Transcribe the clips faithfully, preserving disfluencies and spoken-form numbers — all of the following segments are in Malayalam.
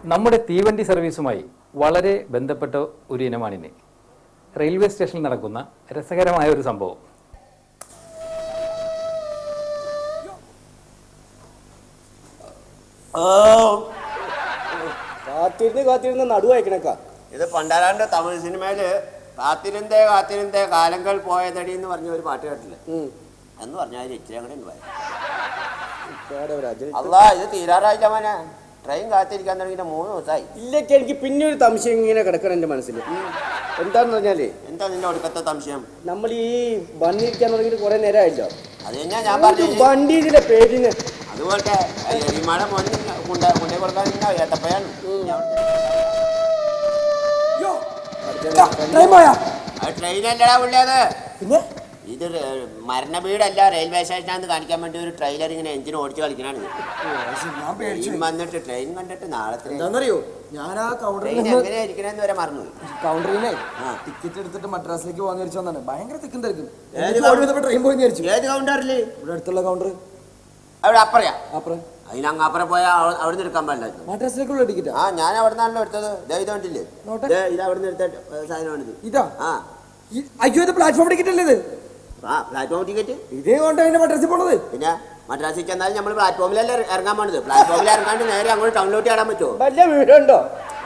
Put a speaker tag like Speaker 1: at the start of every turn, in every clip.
Speaker 1: നമ്മുടെ തീവണ്ടി സർവീസുമായി വളരെ ബന്ധപ്പെട്ട ഒരു ഇനമാണിന്. റെയിൽവേ സ്റ്റേഷനിൽ നടക്കുന്ന രസകരമായ ഒരു സംഭവം.
Speaker 2: കാത്തിരുന്ന് കാത്തിരുന്ന് നടുവായിക്കണക്ക.
Speaker 3: ഇത് പണ്ടാരാണ്ട് തമിഴ് സിനിമയില് കാത്തിരുന്തേ കാത്തിരുന്തേ കാലങ്ങൾ പോയതടി എന്ന് പറഞ്ഞ ഒരു പാട്ട് കേട്ടില്ല എന്ന് പറഞ്ഞാൽ ഇച്ചിരി അങ്ങനെ അല്ല ഇത് തീരാറായില്ല മോനെ. ട്രെയിൻ കാത്തിരിക്കാൻ തുടങ്ങിയിട്ട് മൂന്ന് ദിവസമായി.
Speaker 2: ഇല്ലൊക്കെ എനിക്ക് പിന്നെ ഒരു സംശയം ഇങ്ങനെ കിടക്കണം എന്റെ മനസ്സിൽ. എന്താന്ന് പറഞ്ഞാലേ
Speaker 3: എന്താ നിന്റെ ഒടുക്കത്തെ സംശയം?
Speaker 2: നമ്മൾ ഈ വണ്ടിയിരിക്കാൻ തുടങ്ങിയിട്ട് കുറെ നേരമായില്ലോ.
Speaker 3: അത് തന്നെയാ ഞാൻ പറഞ്ഞു
Speaker 2: വണ്ടിയുടെ പേരിന്
Speaker 3: അതുപോലത്തെ എലിമഴ മോനെ കൊണ്ട കൊണ്ടേ കൊടുക്കാൻ ഏത്തപ്പയാണ്. ട്രെയിനല്ലടാ പുള്ളിയത്. ഇത് മരണ വീടല്ല, റെയിൽവേ സ്റ്റേഷനാന്ന് കാണിക്കാൻ വേണ്ടി ഒരു ട്രെയിലർ ഇങ്ങനെ എഞ്ചിൻ ഓടിച്ച് കളിക്കണാണ്. വന്നിട്ട് ട്രെയിൻ കണ്ടിട്ട് നാളെ
Speaker 4: എന്താണെന്നറിയോ, ഞാൻ ആ കൗണ്ടറിൽ
Speaker 3: എങ്ങനെയാ ഇരിക്കണേന്ന് വരെ മറന്നു.
Speaker 4: കൗണ്ടറിനെ ടിക്കറ്റ് എടുത്തിട്ട് മദ്രാസിലേക്ക് പോകാൻ വിചാരിച്ചു വന്നാണ്. ഭയങ്കര തിക്കും തിരക്കും. ട്രെയിൻ പോയി വിചാരിച്ചു.
Speaker 3: ഏത് കൗണ്ടറില്?
Speaker 4: ഇവിടെ അടുത്തുള്ള കൗണ്ടർ.
Speaker 3: അവിടെ അപ്പറയാ?
Speaker 4: അപ്പുറം.
Speaker 3: അതിന് അങ്ങ് അപ്പുറം പോയാൽ അവിടെ നിന്ന് എടുക്കാൻ പാടില്ല.
Speaker 4: മദ്രാസിലേക്കുള്ള ടിക്കറ്റ്?
Speaker 3: ആ ഞാൻ അവിടെ നിന്നാണല്ലോ എടുത്തത്. ഇത് കണ്ടില്ലേ, ഇത് അവിടെ നിന്ന് എടുത്ത സാധനമാണിത്.
Speaker 4: ഇതാ?
Speaker 3: ആ
Speaker 4: അയ്യോ, ഇത് പ്ലാറ്റ്ഫോം ടിക്കറ്റ് അല്ലേ ഇത്?
Speaker 3: ആ പ്ലാറ്റ്ഫോം ടിക്കറ്റ്.
Speaker 4: ഇതേ കൊണ്ട് അതിന്റെ മദ്രാസിൽ പോണത്.
Speaker 3: പിന്നെ മദ്രാസിൽ ചെന്നാലും നമ്മൾ പ്ലാറ്റ്ഫോമിലല്ലേ ഇറങ്ങാൻ പോണത്. പ്ലാറ്റ്ഫോമിൽ ഇറങ്ങാണ്ട് നേരെ അങ്ങോട്ട് ടൗണിലോട്ട് ചാടാൻ പറ്റുമോ?
Speaker 2: വല്ല വീടുണ്ടോ?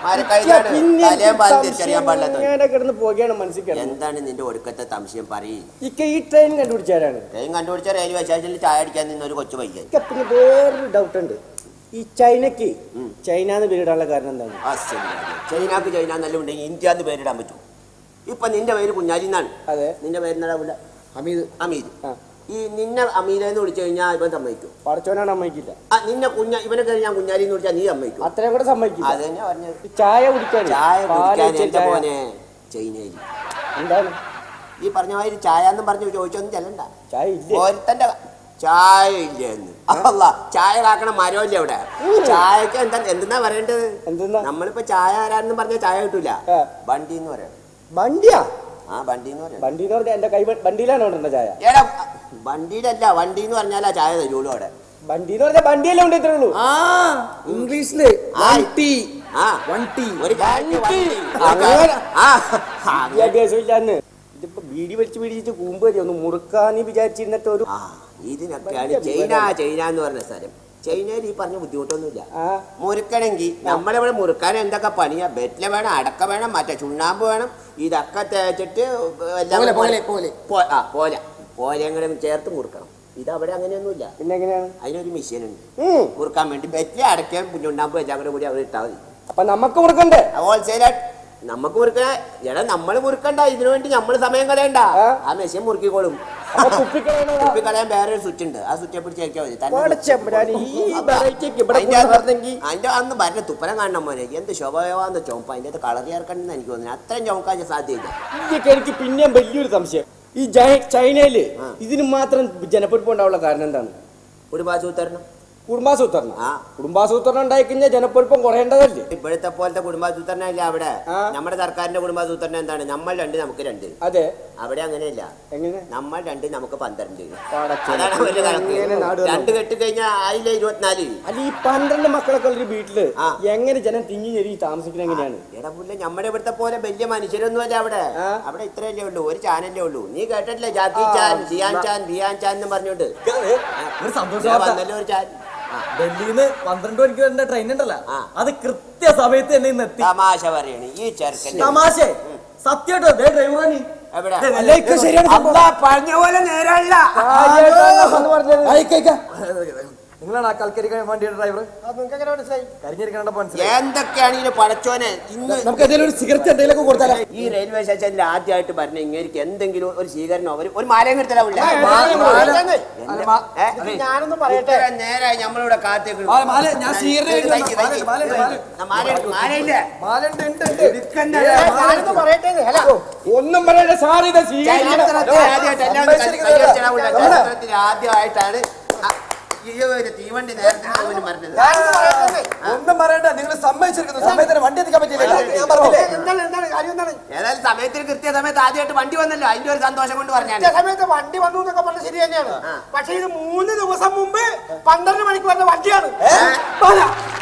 Speaker 3: എന്താണ് നിന്റെ ഒടുക്കത്തെ സംശയം? പറയും.
Speaker 2: ഈ ട്രെയിൻ കണ്ടുപിടിച്ചാരാണ്?
Speaker 3: ട്രെയിൻ കണ്ടുപിടിച്ച റെയിൽവേ സ്റ്റേഷനിൽ ചായ അടിക്കാൻ നിന്ന ഒരു കൊച്ചു പയ്യൻ.
Speaker 2: പിന്നെ വേറൊരു ഡൗട്ട് ഉണ്ട്. ഈ ചൈനക്ക് ചൈനാന്ന് പേരിടാനുള്ള കാരണം എന്താണ്?
Speaker 3: ആ ശരി, ചൈനക്ക് ചൈന നല്ല ഉണ്ടെങ്കിൽ ഇന്ത്യന്ന് പേരിടാൻ പറ്റും. ഇപ്പൊ നിന്റെ പേര് കുഞ്ഞാലി എന്നാണ്.
Speaker 2: അതെ.
Speaker 3: നിന്റെ പേരെന്താ?
Speaker 4: അമീദ്.
Speaker 3: അമീദ്. ഈ നിന്നെ അമീലെന്ന് വിളിച്ചു കഴിഞ്ഞാൽ ഇവൻ സമ്മതിക്കും?
Speaker 2: പഠിച്ചവനാണ് സമ്മതിക്കില്ല.
Speaker 3: ആ നിന്നെ കുഞ്ഞ ഇവനെ കഴിഞ്ഞാൽ കുഞ്ഞാലി എന്ന് വിളിച്ചാൽ നീ സമ്മതിക്കും?
Speaker 2: അത്രയും കൂടെ സമ്മതിക്കില്ല.
Speaker 3: അത് തന്നെ പറഞ്ഞത്.
Speaker 2: ചായ കുടിക്കാൻ
Speaker 3: ചായ കുടിക്കാൻ എന്റെ മോനെ ചൈനയിൽ
Speaker 2: എന്താണ്
Speaker 3: ഈ പറഞ്ഞ മാതിരി ചായ എന്നും പറഞ്ഞു ചോദിച്ചൊന്നും ചെല്ലണ്ട.
Speaker 2: ചായ ഇല്ല.
Speaker 3: ഓരത്തന്റെ ചായ ഇല്ല എന്ന്. അല്ല, ചായ കാക്കണ മരമില്ല അവിടെ. ചായക്ക് എന്താ എന്തെന്നാ പറയേണ്ടത്?
Speaker 2: എന്തെന്നാ?
Speaker 3: നമ്മളിപ്പോ ചായ ആരാണെന്ന് പറഞ്ഞാൽ ചായ കിട്ടൂല. വണ്ടി എന്ന് പറയാം.
Speaker 2: വണ്ടിയാ? ആ
Speaker 3: വണ്ടി എന്ന് പറയാം.
Speaker 2: വണ്ടി എന്ന് പറഞ്ഞാൽ എന്റെ കൈ വണ്ടിയിലാണ് കൊണ്ടുവരുന്ന ചായ.
Speaker 3: ഏടാ വണ്ടിയിലല്ല, വണ്ടി എന്ന് പറഞ്ഞാൽ ആ ചായ തരുള്ളൂ അവിടെ.
Speaker 2: വണ്ടി എന്ന് പറഞ്ഞാൽ വണ്ടിയല്ലേ കൊണ്ടു തരുള്ളൂ.
Speaker 4: ആ ഇംഗ്ലീഷില് വണ്ടി. ആ വണ്ടി ഒരു
Speaker 2: വിദ്യാഭ്യാസമില്ലാന്ന്. ഇതിപ്പോ ബീഡി വലിച്ചു പിടിച്ചിട്ട് കൂമ്പ് വരും ഒന്ന് മുറുക്കാന്ന് വിചാരിച്ചിരുന്നിട്ട് ഒരു
Speaker 3: ഇതിനൊക്കെയാണ് ചൈന ചൈന എന്ന് പറഞ്ഞ സ്ഥലം. ചൈനയിൽ ഈ പറഞ്ഞ ബുദ്ധിമുട്ടൊന്നുമില്ല. മുറുക്കണമെങ്കിൽ നമ്മളിവിടെ മുറുക്കാൻ എന്തൊക്കെ പണിയാ? ബെറ്റില വേണം, അടക്ക വേണം, മറ്റേ ചുണ്ണാമ്പ് വേണം. ഇതൊക്കെ തേച്ചിട്ട് പോലെ പോലെയും കൂടെ ചേർത്ത് മുറുക്കണം. ഇതവിടെ അങ്ങനെയൊന്നുമില്ല.
Speaker 2: പിന്നെ എങ്ങനെയാണ്?
Speaker 3: അതിനൊരു മെഷീൻ ഉണ്ട് മുറുക്കാൻ വേണ്ടി. ബെറ്റില അടയ്ക്കാൻ ചുണ്ണാമ്പ് എല്ലാം കൂടെ കൂടി അവിടെ ഇട്ടാൽ മതി.
Speaker 2: അപ്പൊ നമുക്ക് മുറുക്കണ്ടേ?
Speaker 3: ഹോൾസെയിലായിട്ട് നമുക്ക് മുറുക്കണ എടാ നമ്മള് മുറുക്കണ്ട. ഇതിനു വേണ്ടി നമ്മള് സമയം കളയണ്ട. ആ മെഷീൻ മുറുക്കിക്കോളും. കുപ്പിക്കളയാൻ വേറെ ഒരു സ്വിച്ച് ഉണ്ട്. ആ സ്വിച്ച് പിടിച്ച് ചേർക്കാൻ മതി. അതിന്റെ അന്ന് ഭരണ തുപ്പനം കാണണം മോനെ. എന്ത് ശോഭയാന്ന് ചോമ്പ. അതിന്റെ കളർ ചേർക്കണമെന്ന് എനിക്ക് തോന്നുന്നു. അത്രയും ചോക്കാൻ സാധ്യതയില്ല.
Speaker 2: എനിക്ക് പിന്നെയും വലിയൊരു സംശയം. ഈ ചൈനയില് ഇതിന് മാത്രം ജനപ്പെരുപ്പം ഉണ്ടാവുള്ള കാരണം എന്താണ്?
Speaker 3: കുടുംബാസൂത്രണം.
Speaker 2: കുടുംബാസൂത്രണം? ആ കുടുംബാസൂത്രണം ഉണ്ടായി കഴിഞ്ഞാൽ ജനപ്പെരുപ്പം കുറയേണ്ടതല്ലേ?
Speaker 3: ഇപ്പോഴത്തെ പോലത്തെ കുടുംബാസൂത്രണം ഇല്ല അവിടെ. നമ്മുടെ സർക്കാരിന്റെ കുടുംബാസൂത്രണം എന്താണ്? നമ്മൾ രണ്ട് നമുക്ക് രണ്ട്.
Speaker 2: അതെ.
Speaker 3: അവിടെ അങ്ങനെയല്ല.
Speaker 2: എങ്ങനെ?
Speaker 3: നമ്മൾ രണ്ട് നമുക്ക് പന്ത്രണ്ട്. രണ്ട് കെട്ടി കഴിഞ്ഞാൽ ആയില്ല ഇരുപത്തിനാല്.
Speaker 2: അല്ല ഈ പന്ത്രണ്ട് മക്കളൊക്കെ ഉള്ള വീട്ടില് എങ്ങനെ ജനം തിങ്ങി ഞെരി താമസിക്കുന്നത് എങ്ങനെയാണ്?
Speaker 3: എടാ പുല്ല നമ്മുടെ ഇവിടുത്തെ പോലെ വലിയ മനുഷ്യരൊന്നും അല്ല അവിടെ. അവിടെ ഇത്രയല്ലേ ഉള്ളൂ, ഒരു ചാനലേ ഉള്ളൂ. നീ കേട്ടിട്ടില്ലേ ജാക്കി ചാൻ, സിയാൻ ചാൻ, ബിയാൻ ചാൻ എന്ന് പറഞ്ഞോണ്ട് വന്നല്ലോ ഒരു ചാൻ.
Speaker 4: ഡൽഹിന്ന് പന്ത്രണ്ട് മണിക്ക് വരുന്ന ട്രെയിൻ ഉണ്ടല്ലോ, അത് കൃത്യ സമയത്ത് തന്നെ ഇന്ന് എത്തി.
Speaker 3: തമാശ പറയണേ ഈ ചെറുക്കൻ.
Speaker 4: തമാശ സത്യട്ടോ ഡ്രൈവറാണ്.
Speaker 3: പറഞ്ഞ പോലെ നേരല്ല.
Speaker 4: നിങ്ങളാണ് ആ കൽക്കരി വണ്ടിയുടെ ഡ്രൈവർ?
Speaker 3: എന്തൊക്കെയാണ് ഇതിന് പടച്ചോനെ. ഇന്ന്
Speaker 4: നമുക്ക് എന്തെങ്കിലും ഒരു സിഗരറ്റ് എന്തെങ്കിലും കൊടുത്താലോ?
Speaker 3: ഈ റെയിൽവേ സ്റ്റേഷനിൽ ആദ്യമായിട്ട് പറഞ്ഞ ഇങ്ങനെ എന്തെങ്കിലും ഒരു സ്വീകരണം അവർ ഒരു മാലയും എടുത്തലാവില്ല.
Speaker 2: ഞാനൊന്ന് പറയട്ടെ.
Speaker 3: നേരായി നമ്മളിവിടെ കാത്തേക്ക്
Speaker 2: ഒന്നും പറയട്ടെ സാർ. ഇത്
Speaker 3: ആദ്യമായിട്ടാണ് തീവണ്ടി നേരത്തെ
Speaker 4: ഒന്നും പറയണ്ട. നിങ്ങൾ സമ്മതിച്ചിരിക്കുന്നു. സമയത്തിന് വണ്ടി എത്തിക്കാൻ പറ്റില്ല.
Speaker 3: ഏതായാലും സമയത്തിന് കൃത്യ സമയത്ത് ആദ്യമായിട്ട് വണ്ടി വന്നല്ലോ. അതിന്റെ ഒരു സന്തോഷം കൊണ്ട് പറഞ്ഞാൽ
Speaker 2: സമയത്ത് വണ്ടി വന്നു എന്നൊക്കെ പറഞ്ഞത് ശരി തന്നെയാണ്. പക്ഷെ ഇത് മൂന്ന് ദിവസം മുമ്പ് പന്ത്രണ്ട് മണിക്ക് വന്ന വണ്ടിയാണ്.